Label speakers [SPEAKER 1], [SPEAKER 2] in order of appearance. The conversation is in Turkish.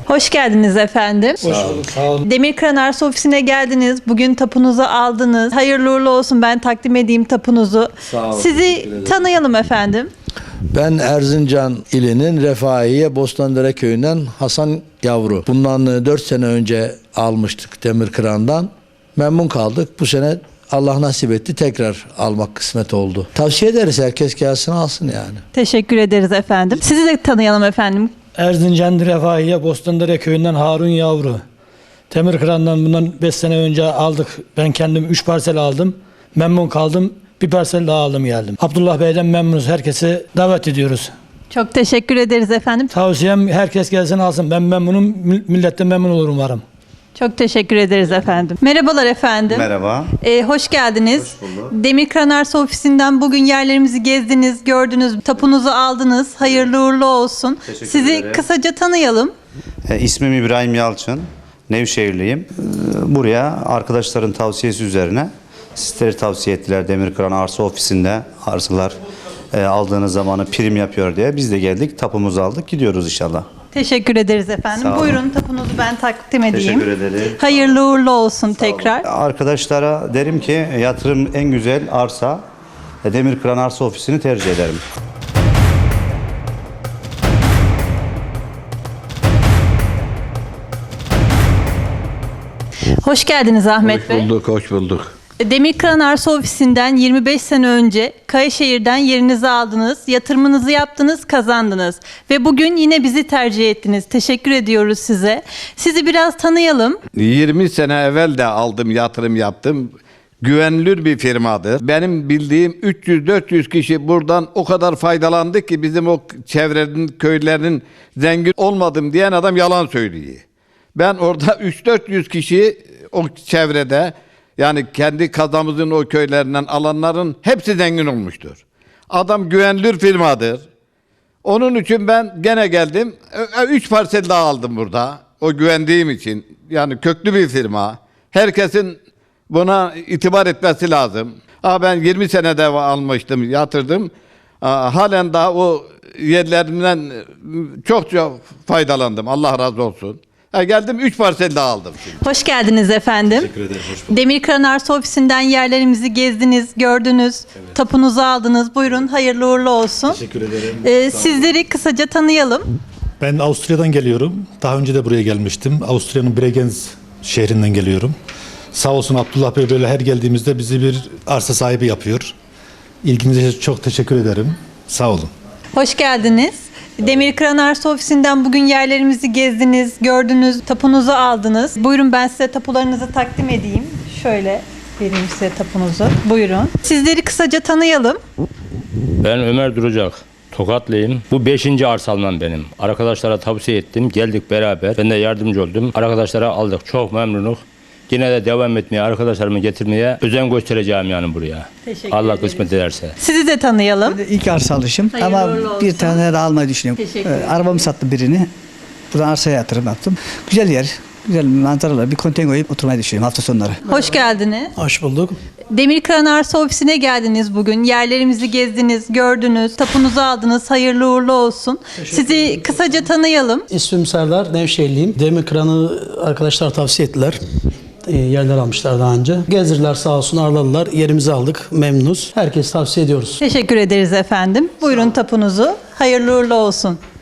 [SPEAKER 1] Hoş geldiniz efendim.
[SPEAKER 2] Sağ olun.
[SPEAKER 1] Demirkıran Arsa Ofisi'ne geldiniz. Bugün tapunuzu aldınız. Hayırlı uğurlu olsun, ben takdim edeyim tapunuzu.
[SPEAKER 2] Sağ olun.
[SPEAKER 1] Sizi tanıyalım efendim.
[SPEAKER 3] Ben Erzincan ilinin Refahiye Bostandere köyünden Hasan Yavru. Bundan 4 sene önce almıştık Demirkıran'dan. Memnun kaldık. Bu sene Allah nasip etti, tekrar almak kısmet oldu. Tavsiye ederiz, herkes gelsin alsın yani.
[SPEAKER 1] Teşekkür ederiz efendim. Sizi de tanıyalım efendim.
[SPEAKER 2] Erzincan Refahiye Bostandere köyünden Harun Yavru. Demirkıran'dan bundan 5 sene önce aldık. Ben kendim 3 parsel aldım. Memnun kaldım. Bir parsel daha aldım geldim. Abdullah Bey'den memnunuz. Herkesi davet ediyoruz.
[SPEAKER 1] Çok teşekkür ederiz efendim.
[SPEAKER 2] Tavsiyem herkes gelsin alsın. Ben memnunum. Millet de memnun olur umarım.
[SPEAKER 1] Çok teşekkür ederiz efendim. Merhabalar efendim.
[SPEAKER 4] Merhaba.
[SPEAKER 1] Hoş geldiniz.
[SPEAKER 4] Hoş bulduk.
[SPEAKER 1] Demirkıran Arsa Ofisi'nden bugün yerlerimizi gezdiniz, gördünüz, tapunuzu aldınız. Hayırlı uğurlu olsun.
[SPEAKER 4] Teşekkür
[SPEAKER 1] Sizi
[SPEAKER 4] ederim.
[SPEAKER 1] kısaca tanıyalım.
[SPEAKER 4] İsmim İbrahim Yalçın. Nevşehirliyim. Buraya arkadaşların tavsiyesi üzerine sizleri tavsiye ettiler. Demirkıran Arsa Ofisi'nde arsalar aldığınız zamanı prim yapıyor diye. Biz de geldik, tapumuzu aldık, gidiyoruz inşallah.
[SPEAKER 1] Teşekkür ederiz efendim.
[SPEAKER 4] Sağ olun.
[SPEAKER 1] Buyurun, tapunuzu ben takdim edeyim.
[SPEAKER 4] Teşekkür ederim.
[SPEAKER 1] Hayırlı uğurlu olsun tekrar.
[SPEAKER 4] Arkadaşlara derim ki yatırım en güzel arsa Demirkıran Arsa Ofisi'ni tercih ederim.
[SPEAKER 1] Hoş geldiniz Ahmet Bey.
[SPEAKER 3] Hoş bulduk.
[SPEAKER 1] Demirkıran Arsa Ofisi'nden 25 sene önce Kayaşehir'den yerinizi aldınız, yatırımınızı yaptınız, kazandınız. Ve bugün yine bizi tercih ettiniz. Teşekkür ediyoruz size. Sizi biraz tanıyalım.
[SPEAKER 5] 20 sene evvel de aldım, yatırım yaptım. Güvenilir bir firmadır. Benim bildiğim 300-400 kişi buradan o kadar faydalandı ki bizim o çevrenin, köylerinin zengin olmadım diyen adam yalan söylüyor. Ben orada 300-400 kişi o çevrede, yani kendi kazamızın o köylerinden alanların hepsi zengin olmuştur. Adam güvenilir firmadır. Onun için ben gene geldim. 3 parsel daha aldım burada. O güvendiğim için. Yani köklü bir firma. Herkesin buna itibar etmesi lazım. Ben 20 senede almıştım, yatırdım. Halen daha o yerlerinden çok faydalandım. Allah razı olsun. Geldim 3 parsel daha aldım şimdi.
[SPEAKER 1] Hoş geldiniz efendim.
[SPEAKER 4] Teşekkür ederim. Hoş bulduk.
[SPEAKER 1] Demirkıran Arsa Ofisi'nden yerlerimizi gezdiniz, gördünüz, tapunuzu aldınız. Buyurun, hayırlı uğurlu olsun.
[SPEAKER 6] Teşekkür ederim.
[SPEAKER 1] Sizleri kısaca tanıyalım.
[SPEAKER 6] Ben Avusturya'dan geliyorum. Daha önce de buraya gelmiştim. Avusturya'nın Bregenz şehrinden geliyorum. Sağ olsun Abdullah Bey böyle her geldiğimizde bizi bir arsa sahibi yapıyor. İlginize çok teşekkür ederim. Sağ olun.
[SPEAKER 1] Hoş geldiniz. Demirkıran Arsa Ofisi'nden bugün yerlerimizi gezdiniz, gördünüz, tapunuzu aldınız. Buyurun, ben size tapularınızı takdim edeyim. Şöyle vereyim size tapunuzu. Buyurun. Sizleri kısaca tanıyalım.
[SPEAKER 7] Ben Ömer Duracak. Tokatlıyım. Bu 5. arsalmam benim. Arkadaşlara tavsiye ettim. Geldik beraber. Ben de yardımcı oldum. Arkadaşlara aldık. Çok memnunum. Yine de devam etmeye, arkadaşlarımı getirmeye özen göstereceğim yani buraya.
[SPEAKER 1] Teşekkür
[SPEAKER 7] Allah
[SPEAKER 1] ederiz.
[SPEAKER 7] kısmet ederse.
[SPEAKER 1] Sizi de tanıyalım.
[SPEAKER 8] İlk arsa alışım
[SPEAKER 1] Hayırlı
[SPEAKER 8] ama
[SPEAKER 1] uğurlu
[SPEAKER 8] bir
[SPEAKER 1] olsun.
[SPEAKER 8] tane de almayı düşünüyorum.
[SPEAKER 1] Teşekkür ederim.
[SPEAKER 8] Arabamı sattım birini. Buradan arsaya yatırım yaptım. Güzel yer, güzel manzaralar. Bir konteyner koyup oturmayı düşünüyorum hafta sonları.
[SPEAKER 1] Hoş geldiniz.
[SPEAKER 2] Hoş bulduk.
[SPEAKER 1] Demirkıran Arsa Ofisi'ne geldiniz bugün. Yerlerimizi gezdiniz, gördünüz, tapunuzu aldınız. Hayırlı uğurlu olsun. Sizi kısaca tanıyalım.
[SPEAKER 9] İsmim Serdar, Nevşehirliyim. Demirkıran'ı arkadaşlar tavsiye ettiler. Yerler almışlar daha önce. Gezdirdiler, sağ olsun, ağırladılar. Yerimizi aldık, memnunuz. Herkes tavsiye ediyoruz.
[SPEAKER 1] Teşekkür ederiz efendim. Buyurun tapunuzu. Hayırlı uğurlu olsun.